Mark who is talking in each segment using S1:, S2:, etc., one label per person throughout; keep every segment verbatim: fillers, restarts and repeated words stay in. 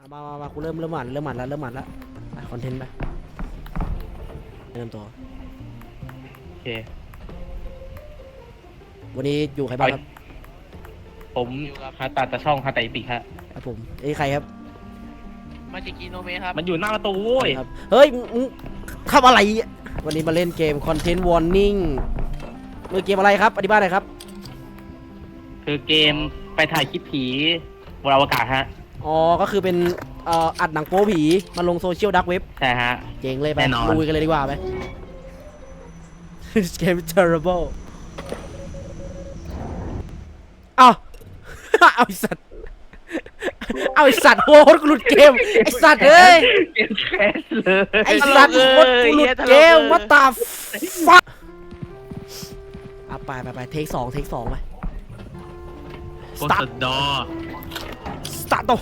S1: มามามากูเริ่มเริ่มหมันเริ่มหมันแล้วเริ่มหมันแล้วไปคอนเทนต์ไปเริ่มตัว
S2: โอเค
S1: วันนี้อยู่ใครบ้างครับ
S2: ผมฮาตาตะช่องฮาตาอิปิครับ
S1: ครับผมไอ้ใครครับ
S3: มาจิกิโนเมะครับ
S2: มันอยู่หน้าประตูโว้ย
S1: เฮ้ยมึงทำอะไรวันนี้มาเล่นเกมคอนเทนต์วอร์นิ่งมือเกมอะไรครับอธิบายหน่อยครับ
S2: คือเกมไปถ่ายคลิปผีบนอวกาศฮะ
S1: อ๋อก็คือเป็นเอ่ออัดหนังโป๊ผีมาลงโซเชียลดักเว็บ
S2: ใช่ฮะ
S1: เจ๋งเลยไปลุยกันเลยดีกว่าไปเกม terrible อ้าวเอาไอสัตว์เอาไอสัตว์โหดกูหลุดเกมไอสัตว์เอ้ย
S2: เกมแคสเลย
S1: ไอสัตว์โหดกูหลุดเกมวัตตาฟักอ่ะไปไปไปเทคสองเทคสองไป
S2: สตาร์ทดอ
S1: สตาร์ท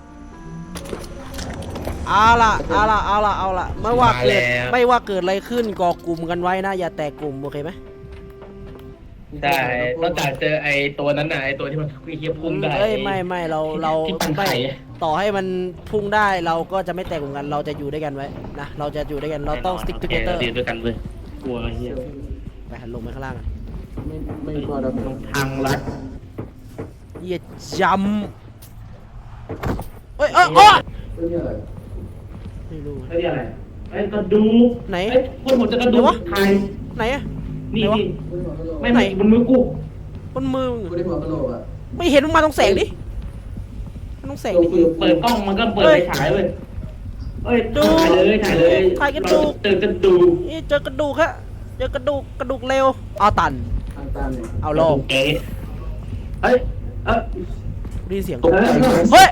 S1: เอาล่ะเอาล่ะเอาล่ะเอาล่ะไม่ว่าเกิดไม่ว่าเกิดอะไรขึ้นก่อกลุ่มกันไว้นะอย่าแตกกลุ่มโอเคไหม
S2: ได้ต้องจ่ายเจอไอตัวนั้นน่ะไอตัวที่มันเฮียพุ่งได้
S1: เอ้ยไม่ไม่เราเราไม่ต่อให้มันพุ่งได้เราก็จะไม่แตกกลุ่มกันเราจะอยู่ด้วยกันไว้นะเราจะอยู่ด้วยกันเราต้อง stick together
S2: อยู่ด้วยกันเลยกลัวเฮีย
S1: ไปหันลงไปข้างล่าง
S2: ไม่ไม่กลัวเราทางลัด
S1: เฮียจำเอ้ยเอ้ยโอ้ไม่รู้
S2: ไอ้อะไรไอ้กระดู
S1: ไหน
S2: คนผมจะกระดูไทย
S1: ไหนอะ
S2: นี่นี่ไม่ไหนบนมือกู
S1: บนมือ
S4: กูได้หัวกระโหลกอ่ะ
S1: ไม่เห็นมันมาตรงแสงดิมันตรงแสงดิ
S2: เปิดกล้องมันก็เปิดไฟฉายเลยเอ้ยถ่ายเลยถ่ายเลย
S1: ถ่ายกระดูก
S2: เจอกระดูก
S1: นี่เจอกระดูกฮะเจอกระดูกกระดูกเร็วเอาตันเอาลง
S2: เอ๊ะเอ้ยเอ้ย
S1: ได้ยินเสียงเฮ้ย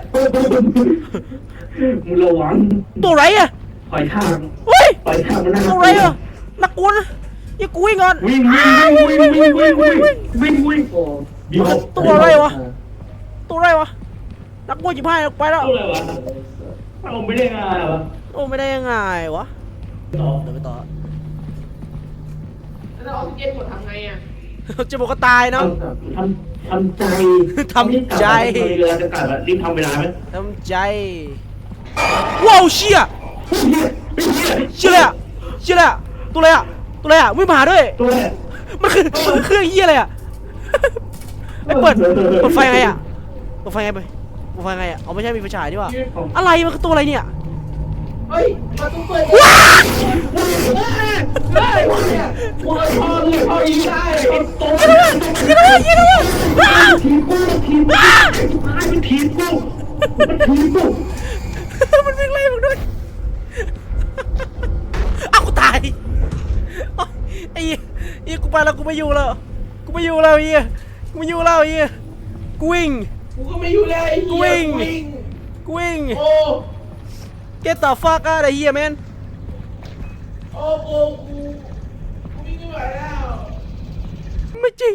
S2: มึงระวัง
S1: ตัวไรอะ
S2: ปล่อยทาง
S1: เฮ้ย
S2: ปล่อยทางมันน่า
S1: ตัวไรอะนักกวนอย่ากูวิ่งก่อน
S2: วิ่งวิ่งวิ่งวิ่งวิ่งวิ่งวิ่งวิ่งวิ่ง
S1: ตัวอะไรวะตัวอะไรวะนักกวนจิบให้ไปแล้ว
S2: ตัวอะไรวะเอาไม่ได้ง่ายวะ
S1: โอ้ไม่ได้ยังไงวะ
S2: ต่อ
S1: เดี๋ยวไปต่อ
S3: แล้วออกซิเจนหมดทำไงอ่ะ
S1: จะบอกก็ตายเนาะ
S2: ทำทำใจ
S1: ทำใจ
S2: เวลาจะกลับรีบทำเวลาไหม
S1: ทำใจว้าวเชี่ยเชี่ยเลยอะเชี่ยเลยอะตัวอะไรอะตัวอะไรอะวิ่งมาหาด้วยมันคือมันคือเครื่องเหี้ยอะไรอะไอ้เปิดเปิดไฟไงอะเปิดไฟไงไปเปิดไฟไงอะเอาไม่ใช่มีไฟฉายดีกว่าอะไรมันคือตัวอะไรเนี่ย
S3: เฮ้ยมาตุ้มเปิด
S1: ว้า
S3: เฮ้ยเนี่ยหัวทองเลยพออีได้
S1: ตัวยิงเลยยิงเลย
S2: ทีมกูทีมกูมันทีมกูมันทีมกู
S1: มันวิ่งไล่มึงด้วยอ้าวกูตายไอ้ไอ้กูไปแล้วกูไม่อยู่แล้วกูไม่อยู่แล้วไอ้กูไม่อยู่แล้วไอ้กูวิ่ง
S3: กูก็ไม่อยู่เลย
S1: กูวิ่งกูวิ่ง
S3: โอ้
S1: Get the fuck out of here man
S3: โอ้โอ้กูกูวิ่งไม่ไหวแล้ว
S1: ไม่จริง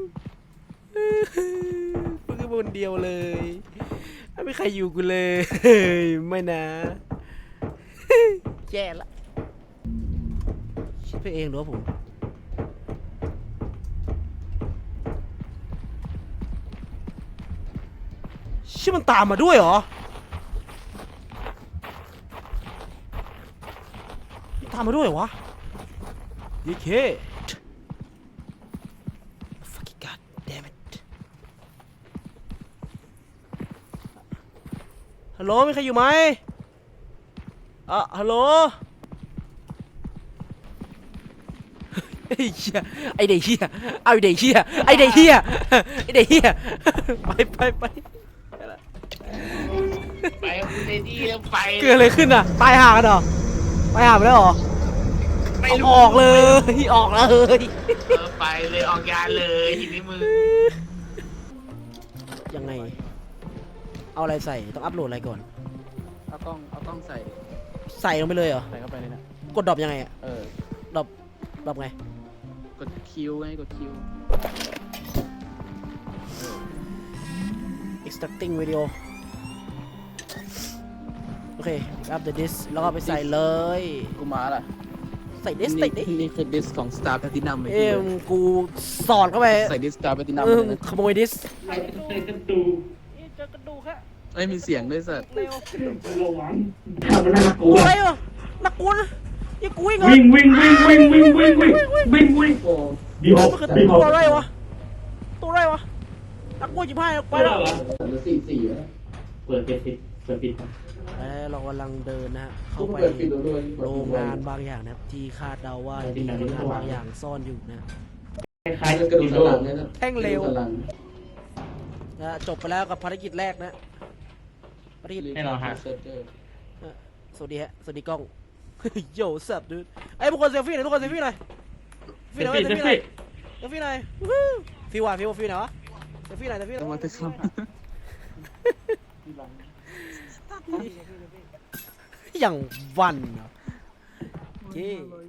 S1: มึงคือคนเดียวเลยไม่มีใครอยู่กูเลยไม่นะแย่ละคิดไปเองหรือว่าผมชิมันตามมาด้วยเหรอตามมาด้วยเหรอวะยีเค fucking god damn it ฮัลโหลมีใครอยู่ไหมอ่ะฮัลโหลไอ้เหี้ยไอ้เด็กเหี้ยเอาไอ้เด็กเหี้ยไอ้เด็กเหี้ยไอ้เด็กเหี้ยไปไปไป
S3: ไปคุณเดดี้แล้วไป
S1: เกิดอะไรขึ้นอ่ะตายห่ากันเหรอตายห่าไปแล้วเหรอ
S3: ไม่
S1: ออกเลยออกเลย
S3: ไปเลยออกงานเลยทีนี้มึง
S1: ยังไงเอาอะไรใส่ต้องอัพโหลดอะไรก่อน
S4: เอากล้องเอากล้องใส่
S1: ใส่ลงไปเลยเหรอ
S4: ใส่เข้าไปเลยนะ
S1: กดดรอปยังไงอ่ะ
S4: เออ
S1: ดรอปดรอปไง
S4: กดคิวไงกดคิว
S1: extracting video โอเคอัพ the disk แล้วก็ไปใส่เลย
S4: กูมาละ
S1: ใส่ดิสใส่ดิส
S4: นี่คือดิสของ Star Platinum เลย
S1: เอ็มกูสอดเข้าไป
S4: ใส่ดิส Star Platinum
S1: ขโมยดิส
S2: ใส่กระดูก
S1: เจอกระดูกฮะ
S4: ไม่มีเสียงด้วยสัตว์
S1: เร็ว
S3: ระวังทำมันน่ากลั
S1: ตัว วอะไรวะนักกลัวนะยังกูวิ่งเหรอ
S3: วิ่งวิ่งวิ่งวิ่งวิ่งวิ่งวิ่งวิ่งวิ่งโอ้ดีฮอป
S1: มันคือ
S3: ดีฮอป
S1: ตัวอะไรวะตัวอะไรวะนักกลัวจิบห้าไปแล้ว
S4: สี่สี่นะ
S3: เปิดปิดเปิดปิด
S1: เอ้ยเรากำลังเดินนะฮะเข้าไป
S4: เปิดปิดด้วย
S1: โรงงานบางอย่างนะครับที่คาดเดาว่ามีโรงงานบางอย่างซ่อนอยู่นะ
S3: คล้ายๆ
S4: กระดูกสันหลังเนี่ยนะ
S1: แท่งเร็ว
S4: กระดูกสันหลัง
S1: นะจบไปแล้วกับภารกิจแรกนะภารกิจ
S2: แน่นอนฮะ
S4: เซิร์ฟเวอร์
S1: สวัสดีฮะสวัสดีกล้อง โย่สับดูไอ้ยพวกคนเซลฟี่หน่อยทุกคนเซลฟี่หน่อย
S2: เซลฟี่เซลฟี่
S1: เซลฟี่หน่อยวู้ฮู้ฟิวอ่ะฟิวฟิวไหนวะเซลฟี่หน่อยเซลฟี่หน่
S4: ต้อง
S1: อ
S4: มาย ตึกซ้
S1: อย่างวันเหรอโอเค